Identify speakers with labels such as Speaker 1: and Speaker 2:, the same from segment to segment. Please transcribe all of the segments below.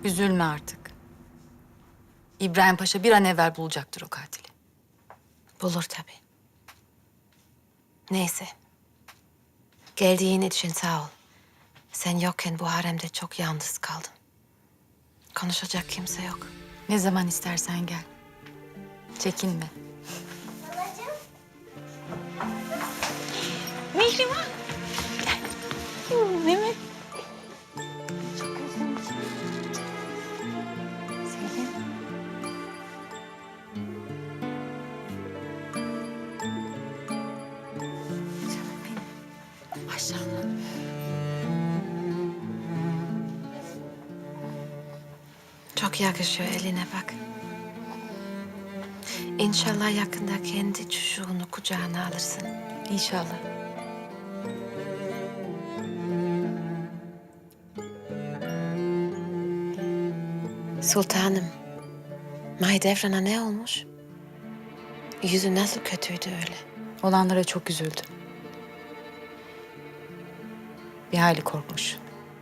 Speaker 1: Üzülme artık. İbrahim Paşa bir an evvel bulacaktır o katili.
Speaker 2: Bulur tabii. Neyse. Geldiğin için sağ ol. Sen yokken bu haremde çok yalnız kaldım. Konuşacak kimse yok.
Speaker 1: Ne zaman istersen gel. Çekinme.
Speaker 2: Mihrimah. Gel. Mehmet. Çok özlemişim. Selim. Canım benim. Maşallah. Çok yakışıyor eline bak. İnşallah yakında kendi çocuğunu kucağına alırsın.
Speaker 1: İnşallah.
Speaker 2: Sultanım, Mahidevran'a ne olmuş? Yüzü nasıl kötüydü öyle?
Speaker 1: Olanlara çok üzüldü. Bir hayli korkmuş.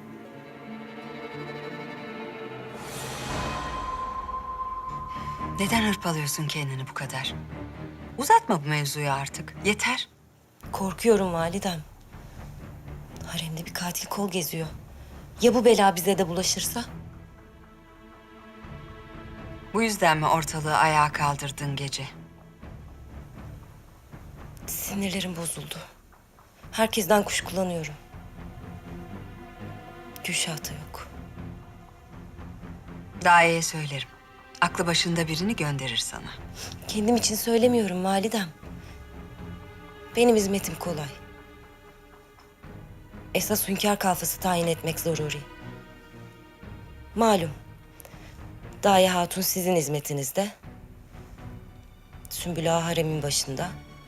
Speaker 3: Neden hırpalıyorsun kendini bu kadar? Uzatma bu mevzuyu artık. Yeter.
Speaker 4: Korkuyorum validem. Haremde bir katil kol geziyor. Ya bu bela bize de bulaşırsa?
Speaker 3: Bu yüzden mi ortalığı ayağa kaldırdın gece?
Speaker 4: Sinirlerim bozuldu. Herkesten kuşkulanıyorum. Gülşah da yok.
Speaker 3: Daye'ye söylerim. Aklı başında birini gönderir sana.
Speaker 4: Kendim için söylemiyorum validem. Benim hizmetim kolay. Esas hünkâr kalfası tayin etmek zaruri. Malum. Daye Hatun sizin hizmetinizde. Sümbül Ağa haremin başında.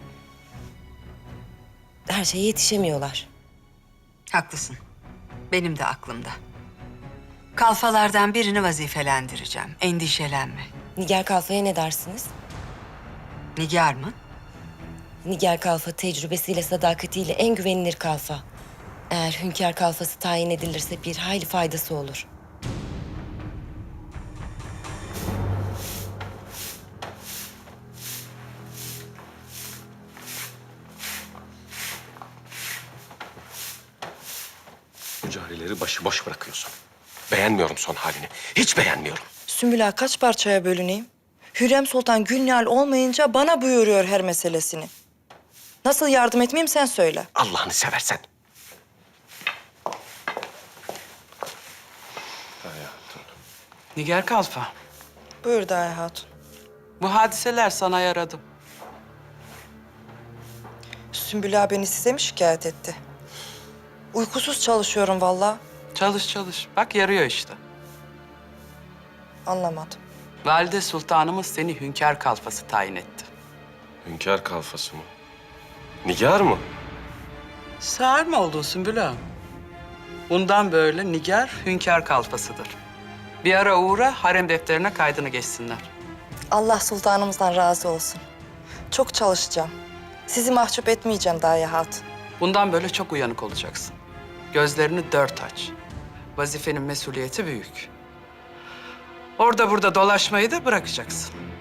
Speaker 4: Her şeye yetişemiyorlar.
Speaker 3: Haklısın. Benim de aklımda. Kalfalardan birini vazifelendireceğim. Endişelenme.
Speaker 4: Nigar Kalfa'ya ne dersiniz?
Speaker 3: Nigar mı?
Speaker 4: Nigar Kalfa tecrübesiyle, sadakatiyle en güvenilir kalfa. Eğer hünkâr kalfası tayin edilirse bir hayli faydası olur.
Speaker 5: Bu carileri başıboş bırakıyorsun. Beğenmiyorum son halini. Hiç beğenmiyorum.
Speaker 6: Sümbül Ağa kaç parçaya bölüneyim? Hürrem Sultan Gülnihal olmayınca bana buyuruyor her meselesini. Nasıl yardım etmeyeyim sen söyle.
Speaker 5: Allah'ını seversen.
Speaker 7: Nigar Kalfa,
Speaker 6: Buyur Daye Hatun.
Speaker 7: bu hadiseler sana yaradı.
Speaker 6: Sümbül Ağa beni size mi şikayet etti? Uykusuz çalışıyorum vallahi.
Speaker 7: Çalış çalış. Bak yarıyor işte.
Speaker 6: Anlamadım.
Speaker 7: Valide Sultanımız seni hünkâr kalfası tayin etti.
Speaker 5: Hünkâr kalfası mı? Nigar mı?
Speaker 7: Sağır mı oldun Sümbül Ağa? Bundan böyle Nigar hünkâr kalfasıdır. Bir ara uğra harem defterine kaydını geçsinler.
Speaker 6: Allah sultanımızdan razı olsun. Çok çalışacağım. Sizi mahcup etmeyeceğim Daye Hatun.
Speaker 7: Bundan böyle çok uyanık olacaksın. Gözlerini dört aç. Vazifenin mesuliyeti büyük. Orada burada dolaşmayı da bırakacaksın.